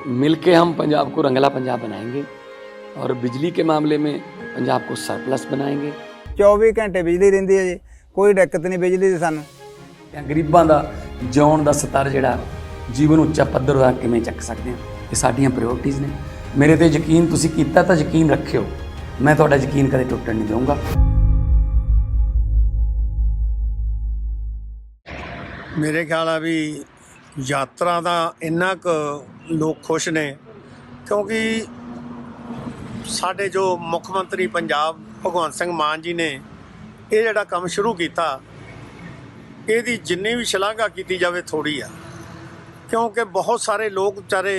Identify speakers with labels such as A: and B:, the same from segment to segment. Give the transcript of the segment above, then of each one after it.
A: मिल के हम पंजाब को रंगला पंजाब बनाएंगे और बिजली के मामले में पंजाब को सरप्लस बनाएंगे।
B: 24 घंटे बिजली रहिंदी है जी, कोई दिक्कत नहीं बिजली दी सानू।
A: गरीबां दा जिउण दा स्तर जिहड़ा जीवन ਉੱਚਾ ਪੱਧਰ ਦਾ ਕਿਵੇਂ ਚੱਕ ਸਕਦੇ ਹਾਂ, ਇਹ ਸਾਡੀਆਂ ਪ੍ਰਾਇੋਰਟੀਜ਼ ਨੇ। ਮੇਰੇ ਤੇ ਯਕੀਨ ਤੁਸੀਂ ਕੀਤਾ ਤਾਂ ਯਕੀਨ ਰੱਖਿਓ, ਮੈਂ ਤੁਹਾਡਾ ਯਕੀਨ ਕਦੇ ਟੁੱਟਣ ਨਹੀਂ ਦਊਂਗਾ।
C: ਮੇਰੇ ਖਿਆਲ ਆ ਵੀ ਯਾਤਰਾ ਦਾ ਇੰਨਾ ਕੁ ਲੋਕ ਖੁਸ਼ ਨੇ ਕਿਉਂਕਿ ਸਾਡੇ ਜੋ ਮੁੱਖ ਮੰਤਰੀ ਪੰਜਾਬ ਭਗਵੰਤ ਸਿੰਘ ਮਾਨ ਜੀ ਨੇ ਇਹ ਜਿਹੜਾ ਕੰਮ ਸ਼ੁਰੂ ਕੀਤਾ, ਇਹਦੀ ਜਿੰਨੀ ਵੀ ਸ਼ਲਾਘਾ ਕੀਤੀ ਜਾਵੇ ਥੋੜ੍ਹੀ ਆ, ਕਿਉਂਕਿ ਬਹੁਤ ਸਾਰੇ ਲੋਕ ਵਿਚਾਰੇ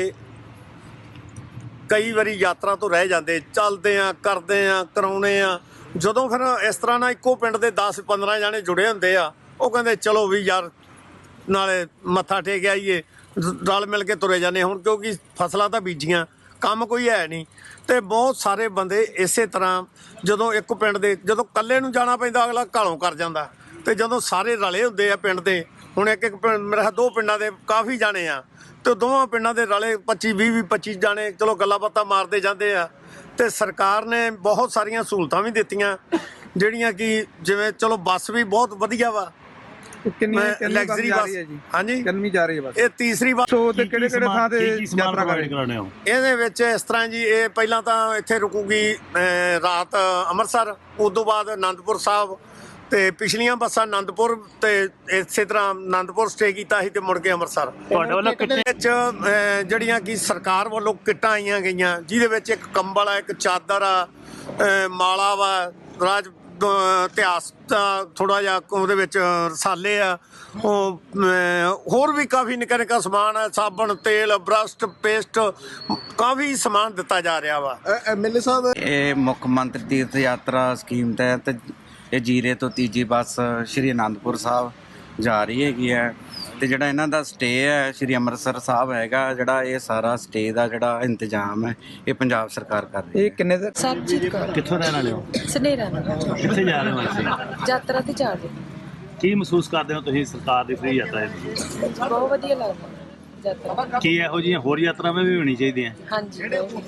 C: ਕਈ ਵਾਰੀ ਯਾਤਰਾ ਤੋਂ ਰਹਿ ਜਾਂਦੇ, ਚੱਲਦੇ ਆ, ਕਰਦੇ ਆ, ਕਰਾਉਣੇ ਆ। ਜਦੋਂ ਫਿਰ ਇਸ ਤਰ੍ਹਾਂ ਨਾਲ ਇੱਕੋ ਪਿੰਡ ਦੇ 10-15 ਜਾਣੇ ਜੁੜੇ ਹੁੰਦੇ ਆ, ਉਹ ਕਹਿੰਦੇ ਚਲੋ ਵੀ ਯਾਰ ਨਾਲੇ ਮੱਥਾ ਟੇਕ ਆਈਏ, ਰਲ ਮਿਲ ਕੇ ਤੁਰੇ ਜਾਂਦੇ। ਹੁਣ ਕਿਉਂਕਿ ਫਸਲਾਂ ਤਾਂ ਬੀਜੀਆਂ, ਕੰਮ ਕੋਈ ਹੈ ਨਹੀਂ, ਅਤੇ ਬਹੁਤ ਸਾਰੇ ਬੰਦੇ ਇਸੇ ਤਰ੍ਹਾਂ ਜਦੋਂ ਇੱਕ ਪਿੰਡ ਦੇ ਜਦੋਂ ਇਕੱਲੇ ਨੂੰ ਜਾਣਾ ਪੈਂਦਾ ਅਗਲਾ ਘਾਲੋਂ ਕਰ ਜਾਂਦਾ, ਅਤੇ ਜਦੋਂ ਸਾਰੇ ਰਲੇ ਹੁੰਦੇ ਆ ਪਿੰਡ ਦੇ, ਹੁਣ ਇੱਕ ਪਿੰਡ ਮੇਰਾ 2 ਪਿੰਡਾਂ ਦੇ ਕਾਫੀ ਜਾਣੇ ਆ, ਅਤੇ ਦੋਵਾਂ ਪਿੰਡਾਂ ਦੇ ਰਲੇ 25 ਜਾਣੇ ਚਲੋ ਗੱਲਾਂ ਬਾਤਾਂ ਮਾਰਦੇ ਜਾਂਦੇ ਆ। ਅਤੇ ਸਰਕਾਰ ਨੇ ਬਹੁਤ ਸਾਰੀਆਂ ਸਹੂਲਤਾਂ ਵੀ ਦਿੱਤੀਆਂ ਜਿਹੜੀਆਂ ਕਿ ਜਿਵੇਂ ਚਲੋ ਬੱਸ ਵੀ ਬਹੁਤ ਵਧੀਆ ਵਾ, ਲਗਜ਼ਰੀ ਬੱਸ। ਹਾਂਜੀ,
B: ਕਿੰਨੀ ਜਾ ਰਹੀ ਹੈ ਬੱਸ?
C: ਇਹ ਤੀਸਰੀ ਬੱਸ।
B: ਤੇ ਕਿਹੜੇ ਥਾਂ ਤੇ ਯਾਤਰਾ ਕਰਾਉਣੇ ਹੋ?
C: ਇਹਦੇ ਵਿੱਚ ਇਸ ਤਰ੍ਹਾਂ ਜੀ, ਇਹ ਪਹਿਲਾਂ ਤਾਂ ਇੱਥੇ ਰੁਕੂਗੀ ਰਾਤ ਅੰਮ੍ਰਿਤਸਰ, ਉਸ ਤੋਂ ਬਾਅਦ ਅਨੰਦਪੁਰ ਸਾਹਿਬ, ਅਤੇ ਪਿਛਲੀਆਂ ਬੱਸਾਂ ਅਨੰਦਪੁਰ ਅਤੇ ਇਸੇ ਤਰ੍ਹਾਂ ਅਨੰਦਪੁਰ ਸਟੇ ਕੀਤਾ ਸੀ ਅਤੇ ਮੁੜ ਕੇ ਅੰਮ੍ਰਿਤਸਰ। ਤੁਹਾਡੇ ਵੱਲੋਂ ਵਿੱਚ ਜਿਹੜੀਆਂ ਕਿ ਸਰਕਾਰ ਵੱਲੋਂ ਕਿੱਟਾਂ ਆਈਆਂ ਗਈਆਂ, ਜਿਹਦੇ ਵਿੱਚ ਇੱਕ ਕੰਬਲ ਆ, ਇੱਕ ਚਾਦਰ ਆ, ਮਾਲਾ ਵਾ, ਰਾਜ ਇਤਿਹਾਸ ਦਾ ਥੋੜ੍ਹਾ ਜਿਹਾ ਉਹਦੇ ਵਿੱਚ ਰਸਾਲੇ ਆ, ਉਹ ਹੋਰ ਵੀ ਕਾਫੀ ਨਿੱਕਾ ਨਿੱਕਾ ਸਮਾਨ ਹੈ, ਸਾਬਣ, ਤੇਲ, ਬਰੱਸ਼, ਪੇਸਟ, ਕਾਫੀ ਸਮਾਨ ਦਿੱਤਾ ਜਾ ਰਿਹਾ ਵਾ।
D: ਐਮਐਲਏ ਸਾਹਿਬ, ਇਹ ਮੁੱਖ ਮੰਤਰੀ ਤੀਰਥ ਯਾਤਰਾ ਸਕੀਮ ਤਹਿਤ ਇਹ ਜੀਰੇ ਤੋਂ ਤੀਜੀ ਬੱਸ ਸ਼੍ਰੀ ਅਨੰਦਪੁਰ ਸਾਹਿਬ ਜਾ ਰਹੀ ਹੈਗੀ ਹੈ, ਅਤੇ ਜਿਹੜਾ ਇਹਨਾਂ ਦਾ ਸਟੇ ਹੈ ਸ਼੍ਰੀ ਅੰਮ੍ਰਿਤਸਰ ਸਾਹਿਬ ਹੈਗਾ, ਜਿਹੜਾ ਇਹ ਸਾਰਾ ਸਟੇ ਦਾ ਜਿਹੜਾ ਇੰਤਜ਼ਾਮ ਹੈ ਇਹ ਪੰਜਾਬ ਸਰਕਾਰ ਕਰ ਰਹੀ ਹੈ।
B: ਇਹ ਕਿੰਨੇ ਦਾ?
E: ਸਰਬਜੀਤ ਕੌਰ।
F: ਕਿੱਥੋਂ ਰਹਿਣ ਵਾਲੇ ਹੋ?
E: ਸਨੇਰਾ।
F: ਕਿੱਥੇ ਜਾ ਰਹੇ ਹੋ ਅਸੀਂ?
E: ਯਾਤਰਾ ਤੇ ਜਾ ਰਹੇ।
F: ਕੀ ਮਹਿਸੂਸ ਕਰਦੇ ਹੋ ਤੁਸੀਂ ਸਰਕਾਰ ਦੀ ਫ੍ਰੀ ਯਾਤਰਾ?
E: ਬਹੁਤ ਵਧੀਆ ਲੱਗਦਾ ਯਾਤਰਾ।
F: ਕੀ ਇਹੋ ਜਿਹੀਆਂ ਹੋਰ ਯਾਤਰਾਵਾਂ ਵੀ ਹੋਣੀ ਚਾਹੀਦੀਆਂ?
E: ਹਾਂਜੀ।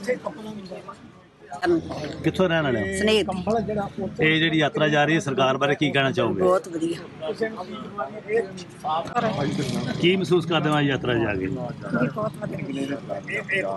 F: ਕਿੱਥੋਂ ਰਹਿਣ ਵਾਲੇ ਹੋ?
E: ਸਨੇਰ।
F: ਇਹ ਜਿਹੜੀ ਯਾਤਰਾ ਜਾ ਰਹੀ ਹੈ ਸਰਕਾਰ ਬਾਰੇ ਕੀ ਕਹਿਣਾ ਚਾਹੋਗੇ?
E: ਬਹੁਤ ਵਧੀਆ।
F: ਕੀ ਮਹਿਸੂਸ ਕਰਦੇ ਹੋ ਅੱਜ ਯਾਤਰਾ ਜਾ ਕੇ?
E: ਬਹੁਤ ਵਧੀਆ।